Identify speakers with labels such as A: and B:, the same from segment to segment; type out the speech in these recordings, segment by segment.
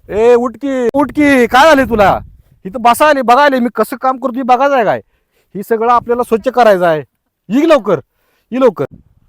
A: ए उठकी उठकी, काय झाले तुला? इथं बसायले बघायले मी कसं काम करतो बघायचं आहे काय? ही सगळं आपल्याला स्वच्छ करायचं आहे. ये लवकर, ये लवकर.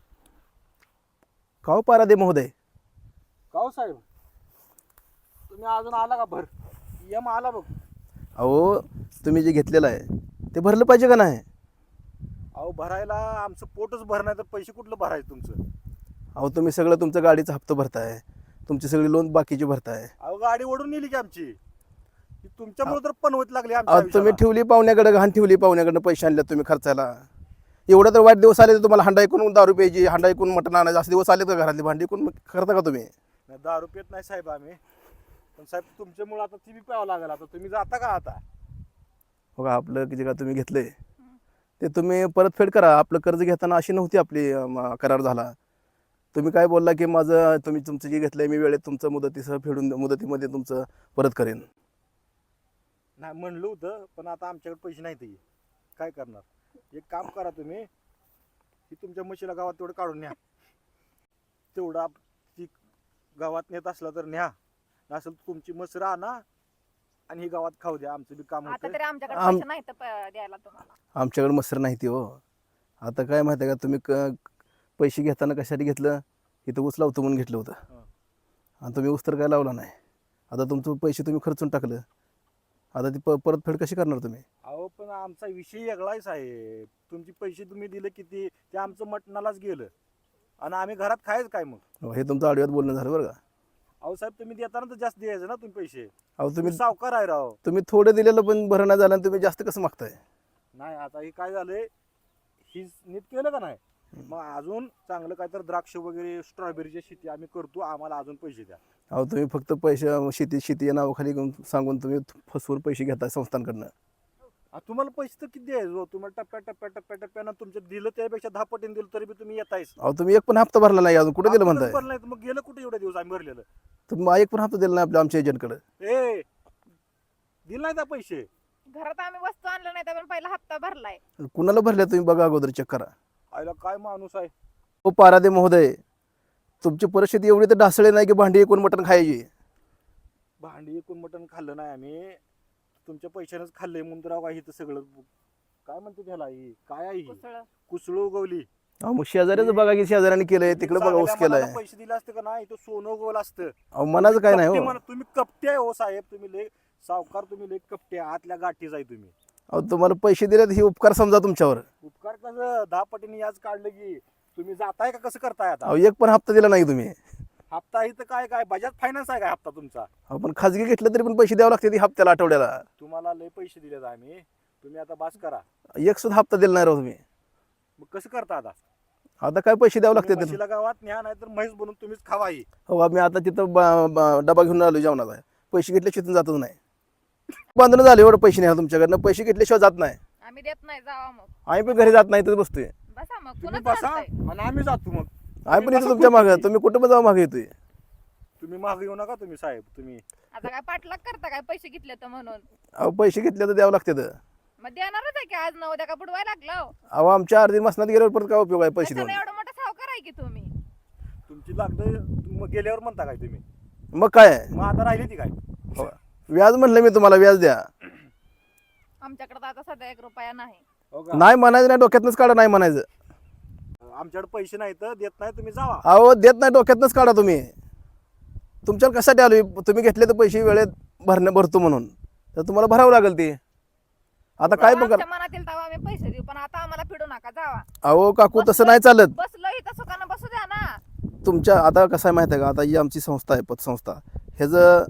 B: काव पारादे महोदय.
A: काव साहेब, तुम्ही अजून आला का? भर यम आला बघ.
B: अहो तुम्ही जे घेतलेलं आहे ते भरलं पाहिजे का नाही?
A: अहो भरायला आमचं पोटच भरणार तर पैसे कुठलं भरायचं तुमचं?
B: अहो तुम्ही सगळं तुमचं गाडीचा हप्ता भरताय, तुमची सगळी लोन बाकीची भरताय.
A: अहो गाडी ओढून नेली की आमची, ती तुमच्यामुळे तर पनवत लागली
B: अहो
A: आमच्या
B: तुम्ही
A: आयुष्याला.
B: ठेवली पाहुण्याकडे, घाण ठेवली पाहुण्याकडनं, पैसे आणले तुम्ही खर्चाला. एवढं तर वाईट दिवस आले तर तुम्हाला हांडा ऐकून दारू प्यायची, हांडा ऐकून मटण आणायचं, असे दिवस आले तर घरातली भांडी ऐकून करता का तुम्ही?
A: नाही, दारू पित नाही साहेब आम्ही, पण साहेब तुमच्यामुळे आता ती बी प्यावं लागेल. आता तुम्ही जाता का आता?
B: बघा आपलं जे का तुम्ही घेतलंय ते तुम्ही परतफेड करा. आपलं कर्ज घेताना अशी नव्हती आपली करार झाला. तुम्ही काय बोलला की माझं तुम्ही तुमचं जे घेतलंय मी वेळेत तुमचं मुदतीसह फेडून मुदतीमध्ये तुमचं परत करेन.
A: नाही म्हणलं होतं, पण आता आमच्याकडे पैसे नाहीत. काय करणार? एक काम करा तुम्ही, की तुमच्या म्हशीला गावात तेवढं काढून न्या. तेवढा ती गावात नेत असला तर न्या, नसेल तुमची म्हस आणा आणि ही गावात खाऊ द्या. आमचं बी काम
C: आता
A: होतं.
C: तरी आमच्याकडे पैसे नाही तर द्यायला तुम्हाला.
B: आमच्याकडे मसर नाही ती हो. आता काय माहिती आहे का, तुम्ही पैसे घेताना कशासाठी घेतलं? इथं ऊस लावतो म्हणून घेतलं होतं. आणि तुम्ही ऊस तर काय लावला नाही. आता तुमचं पैसे तुम्ही खर्चून टाकलं, आता ती परतफेड कशी करणार तुम्ही?
A: अहो पण आमचा विषय वेगळाच आहे. तुमचे पैसे तुम्ही दिले किती, ते आमचं मटणालाच गेलं आणि आम्ही घरात खायचं काय मग?
B: हे तुमचं आडव्यात बोलणं झालं बरं का.
A: अहो साहेब, तुम्ही देताना तर जास्त द्यायचं ना तुम्ही पैसे.
B: अहो
A: तुम्ही सावकार आहे राव.
B: तुम्ही थोडं दिलेलं पण भरणं नाही झालं आणि तुम्ही जास्त कसं मागताय?
A: नाही, आता हे काय झालंय, ही नीट केलं का नाही, मग अजून चांगलं काय तर द्राक्ष वगैरे स्ट्रॉबेरीची शेती आम्ही करतो, आम्हाला अजून पैसे द्या.
B: अहो तुम्ही फक्त पैसे शेती या नावाखाली सांगून तुम्ही फसवून पैसे घेताय संस्थांकडनं.
A: तुम्हाला पैसे तर किती द्यायचे हो? तुम्हाला टप्प्यानं तुमचं दिलं त्यापेक्षा 10 पटीने दिलं तरी बी तुम्ही येतायच.
B: अहो तुम्ही एक पण हप्ता भरला नाही अजून, कुठे दिलं
A: हप्ता
B: म्हणताय?
A: भरला नाही तर मग गेलं कुठे एवढे दिवस आम्ही भरलेलं?
B: तुम्ही एक पण हप्ता दिला नाही आपल्या आमच्या एजंटकडे.
A: ए दिलं नाही त्या पैसे?
C: घरात आम्ही वस्तू आणलं नाही तर पण पहिला हप्ता भरलाय.
B: कुणाला भरले तुम्ही बघा अगोदर, चेक करा.
A: आयला काय माणूस आहे.
B: हो पारादे महोदय, तुमची परिस्थिती एवढी तर ढासळे नाही की भांडी एकूण मटण खायची.
A: भांडी एकूण मटण खाल्लं नाही आम्ही, तुमच्या पैशानेच खाल्लंय म्हणून तर काही इथं सगळं काय म्हणते त्याला, ही काय आहे,
C: कुसळ.
A: कुसळ उगवली.
B: अहो मग शेजाऱ्याचं बघा की शेजाऱ्याने केलंय, तिकडे बघा ऊस
A: चांगल्या
B: केलाय.
A: मनाला पैसे दिले असते का नाही, तो सोनं उगवलं असतं.
B: अहो मनाचं काय नाही
A: कपटे
B: हो.
A: म्हणा, तुम्ही कपटे आहे हो साहेब, तुम्ही लय सावकार, तुम्ही लय कपटे आतल्या गाठीच आहे तुम्ही.
B: अहो तुम्हाला पैसे दिलेत ही उपकार समजा तुमच्यावर.
A: उपकार कसं 10 पटीने याच काढलं की तुम्ही जाताय का कसं करताय आता?
B: अहो एक पण हप्ता दिला नाही तुम्ही.
A: हप्ता इथं काय काय बजाज फायनान्स आहे काय हप्ता तुमचा?
B: अहो पण खाजगी घेतलं तरी पण पैसे द्यावे लागते हप्त्याला, आठवड्याला.
A: तुम्हाला लय पैसे दिलेत आम्ही, तुम्ही आता बास करा.
B: एक सुद्धा हप्ता दिला नाही राव तुम्ही.
A: मग कसं करता आता?
B: आता काय पैसे द्यावे लागते?
A: म्हशीला गावात न्या, नाही तर म्हैस बनून तुम्हीच खावा ही.
B: हो आम्ही आता तिथं डबा घेऊन आलो जेवणाचा. पैसे घेतल्याशिवाय तिथून जातच नाही. बांधणं झालं एवढं पैसे नाही तुमच्याकडनं, पैसे घेतल्याशिवाय जात नाही.
C: आम्ही देत नाही, जावा मग.
B: आम्ही पण घरी जात नाही तर बसतोय.
C: बसा मग.
A: तुम्ही
C: कुणाच
A: बसा
C: चालतंय?
A: आणि आम्ही जातो मग.
B: आम्ही पण
A: बसा
B: येतो तुमच्या मागे,
A: खुर्चीवर.
B: तुम्ही कुठं पण जाऊ मागे येतोय.
A: तुम्ही मागे येऊ नका तुम्ही साहेब. तुम्ही
C: आता काय पाठलाग करता काय पैसे घेतले तर म्हणून?
B: अहो पैसे घेतले तर द्यावं लागते.
C: मग देणारच आहे की आज न उद्या का बुडवायला लागलो.
B: अहो आमच्या अर्धी मसनात गेल्यावर परत काय उपयोग आहे पैसे
C: कशाला
B: देऊन?
C: एवढं मोठं सावकार आहे की तुम्ही?
A: तुमची लागलं मग गेल्यावर म्हणता काय तुम्ही?
B: मग काय
A: मग आता राहिली ती काय?
B: हो. व्याज म्हणलं मी तुम्हाला, व्याज द्या.
C: आमच्याकडे तर आता सध्या 1 रुपया नाही.
A: हो का?
B: नाही म्हणायचं नाही, डोक्यातनंच काढा. नाही म्हणायचं.
A: आमच्याकडे पैसे नाही तर देत नाही, तुम्ही जावा.
B: अहो देत नाही, डोक्यातनंच काढा तुम्ही. तुमच्यावर कशासाठी आलो? तुम्ही घेतले तर पैसे वेळेत भरतो म्हणून, तर तुम्हाला भरावं लागेल ते. आता काय पण
C: आमच्या
B: करा.
C: मनातील तेव्हा आम्ही पैसे देऊ, पण आता आम्हाला फिडू नका, जावा.
B: अहो काकू तसं नाही चालत.
C: बसलो इथं सुखानं बसू द्या ना.
B: तुमच्या आता कसं आहे माहिती आहे का, आता ही आमची संस्था आहे, पतसंस्था. ह्याचं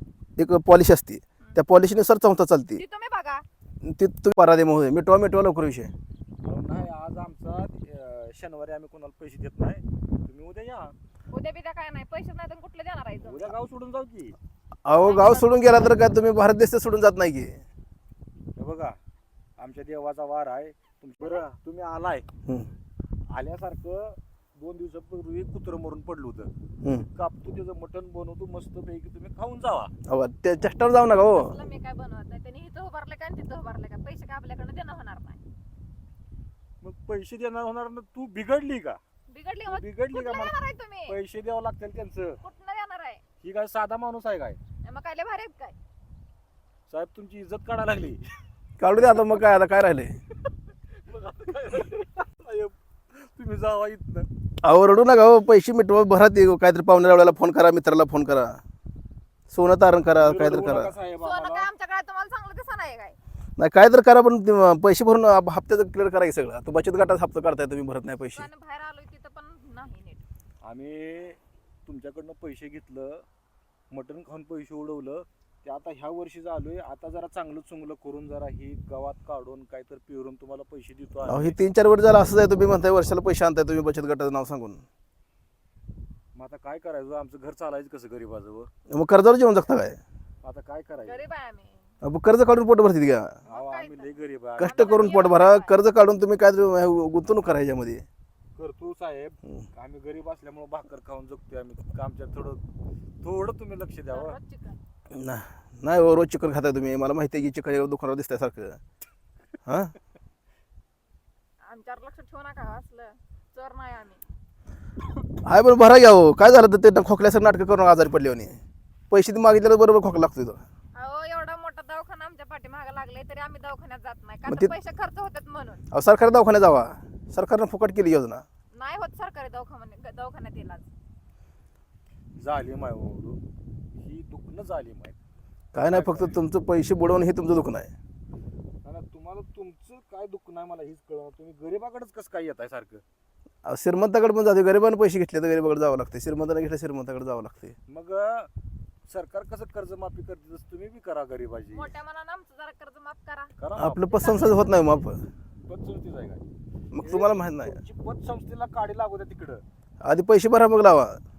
B: एक पॉलिश असते, त्या पॉलिशीनुसार संस्था चालते.
C: ती तुम्ही बघा.
B: ती तुम्ही पारादे महोदय, मिटवा लवकर विषय.
A: नाही, आज आमचा शनिवारी आम्ही कोणाला पैसे देत नाही. तुम्ही उद्या या.
C: उद्या बिद्या काय नाही, पैसे नाही तर कुठले देणार आहे तुम्ही?
A: उद्या गाव सोडून जाऊ की.
B: अहो गाव सोडून गेला तर काय तुम्ही भारत देश सोडून जात नाही की?
A: हे बघा, आमच्या देवाचा वार आहे. बरं तुम्ही आलाय,
B: हम्म,
A: आल्यासारखं 2 दिवसापूर्वी कुत्रं मरून पडलं होतं.
B: हम्म.
A: कापतो त्याचं मटण बनवतो मस्त पैकी, तुम्ही खाऊन जावा.
B: अहो त्या चष्टावर जाऊ नका हो.
C: तसलं मी काय बनवत नाही. त्यांनी इथं उभारलं काय आणि तिथं उभारलं काय, पैसे काय आपल्याकडनं देणं होणार नाही.
A: मग पैसे देणार होणार ना, तू बिघडली का?
C: बिघडली
A: बिघडली का?
C: कुठलं
A: मला
C: देणार आहे तुम्ही?
A: पैसे द्यावं लागतील त्यांचं.
C: कुठनं देणार आहे?
A: ही काय साधा माणूस आहे काय?
C: मग काय लय भारी आहेत काय?
A: साहेब तुमची इज्जत काढायला लागली.
B: काढू दे आता, मग काय आता काय राहिले.
A: मग आता काय साहेब, तुम्ही जावा इथनं.
B: अहो रडू नका हो, पैसे मिटवा, भरा ते काहीतरी पाहुण्या रावळ्याला फोन करा, मित्राला फोन करा, सोनं तारण करा, काहीतरी
A: रडवू
B: करा.
A: नका साहेब
C: सोनं काय
A: आम्हाला.
C: आमच्या काळात तुम्हाला चांगलं दिसत नाही काय?
B: नाही काहीतरी करा, पण ते पैसे भरून हप्त्याचं क्लिअर करा की सगळं. तो बचत गटाचा हप्ता काढताय तुम्ही, भरत नाही पैसे.
C: दुकानं बाहेर आलोय तिथं पण नाही नीट.
A: आम्ही तुमच्याकडनं पैसे घेतलं, मटण खाऊन पैसे उडवलं, ते आता ह्या वर्षी आलोय. आता जरा चांगलं चुंगलं करून जरा ही गावात काढून काहीतरी पिरून तुम्हाला पैसे देतो
B: अहो
A: आम्ही.
B: हे 3-4 वर्ष झालं असंच आहे. तुम्ही म्हणताय वर्षाला पैसे आणताय तुम्ही बचत गटाचं नाव सांगून.
A: मग आता काय करायचं, आमचं घर चालायचं कसं गरीबाजवळ.
B: मग कर्जावर जेवण जगता काय?
A: आता काय करायचं.
C: गरीब आहे आम्ही.
B: अहो, कर्ज काढून पोट भरतील का?
A: अहो, आम्ही लय गरीब आहे.
B: कष्ट करून पोट भरा, कर्ज काढून तुम्ही काय गुंतवणूक करा ह्याच्यामध्ये.
A: करतो साहेब, आम्ही गरीब असल्यामुळे भाकर खाऊन जगतोय आम्ही. आमच्या थोडं तुम्ही लक्ष द्यावं.
C: दररोज चिकन.
B: नाही हो, रोज चिकन खाताय तुम्ही, मला माहिती आहे की चिकन दुकानावर दिसतंय सारखं. हां
C: आमच्यावर लक्ष ठेवू नका असलं. चोर नाही आम्ही.
B: आहे पण भरा घ्या हो. काय झालं तर ते खोकल्यासारखं नाटकं करून आजारी पडले म्हणे. पैसे मागितल्यावर बरोबर खोकला लागतोय तो.
C: अहो एवढा मोठा दवाखाना आमच्या पाठीमागे लागलाय तरी आम्ही दवाखान्यात जात नाही
B: मग
C: का?
B: ते-
C: तर पैसे खर्च होतात म्हणून.
B: अहो सरकारी दवाखान्यात जावा, सरकारनं फुकट केली योजना.
C: नाही होत सरकारी दवाखान्यात इलाज.
A: जालीम आहे हो. ही दुखणं जालीम आहे.
B: काय नाही, फक्त तुमचं पैसे बुडवणं हे तुमचं दुखणं आहे.
A: आणि तुम्हाला तुमचं काय दुःख नाही मला हीच कळलं. तुम्ही गरीबाकडेच कसं काय येत आहे सारखं.
B: अहो, श्रीमंताकडे पण जाते, गरिबानं पैसे घेतले तर गरीबाकडे जावं लागते, श्रीमंताने घेतलं श्रीमंताकडे जावं लागते.
A: मग सरकार कसं कर्जमाफी करते तसं तुम्ही बी करा गरीबाची.
C: मोठ्या मनानं आमचं जरा कर्ज माफ करा.
A: करा ना.
B: आपलं पतसंस्था होत नाही माफ.
A: पतसंस्थेच आहे काय?
B: मग तुम्हाला माहित नाही.
A: तुमची पतसंस्थेला काढी लागू द्या तिकडं.
B: आधी पैसे भरा मग लावा.